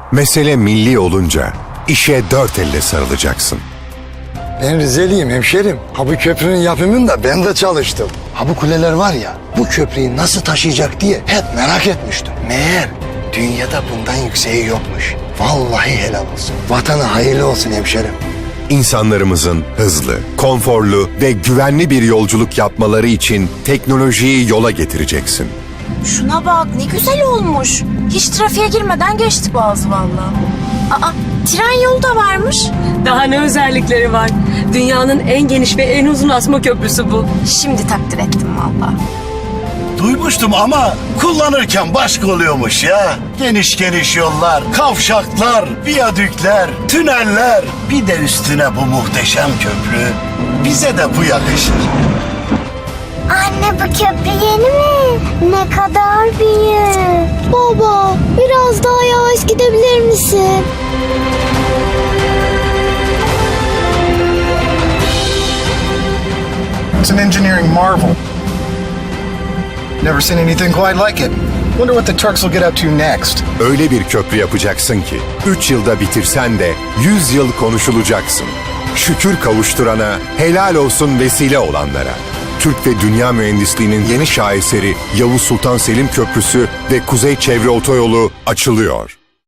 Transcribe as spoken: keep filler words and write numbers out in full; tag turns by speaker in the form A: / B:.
A: Mesele milli olunca işe dört elle sarılacaksın.
B: Ben Rizeliyim hemşerim. Ha bu köprünün yapımında ben de çalıştım. Ha bu kuleler var ya, bu köprüyü nasıl taşıyacak diye hep merak etmiştim. Meğer dünyada bundan yükseği yokmuş. Vallahi helal olsun. Vatana hayırlı olsun hemşerim.
A: İnsanlarımızın hızlı, konforlu ve güvenli bir yolculuk yapmaları için teknolojiyi yola getireceksin.
C: Şuna bak ne güzel olmuş. Hiç trafiğe girmeden geçti boğazı vallahi. Aa, tren yolu da varmış.
D: Daha ne özellikleri var? Dünyanın en geniş ve en uzun asma köprüsü bu.
C: Şimdi takdir ettim vallahi.
E: Duymuştum ama kullanırken başka oluyormuş ya. Geniş geniş yollar, kavşaklar, viyadükler, tüneller. Bir de üstüne bu muhteşem köprü. Bize de bu yakışır.
F: Anne bu köprü yeni mi? Ne kadar büyük. Baba biraz daha yavaş gidebilir misin?
G: It's an engineering marvel. Never seen anything quite like it. Wonder what the Turks will get up to next.
A: Öyle bir köprü yapacaksın ki üç yılda bitirsen de yüz yıl konuşulacaksın. Şükür kavuşturana, helal olsun vesile olanlara. Türk ve dünya mühendisliğinin yeni şaheseri Yavuz Sultan Selim Köprüsü ve Kuzey Çevre Otoyolu açılıyor.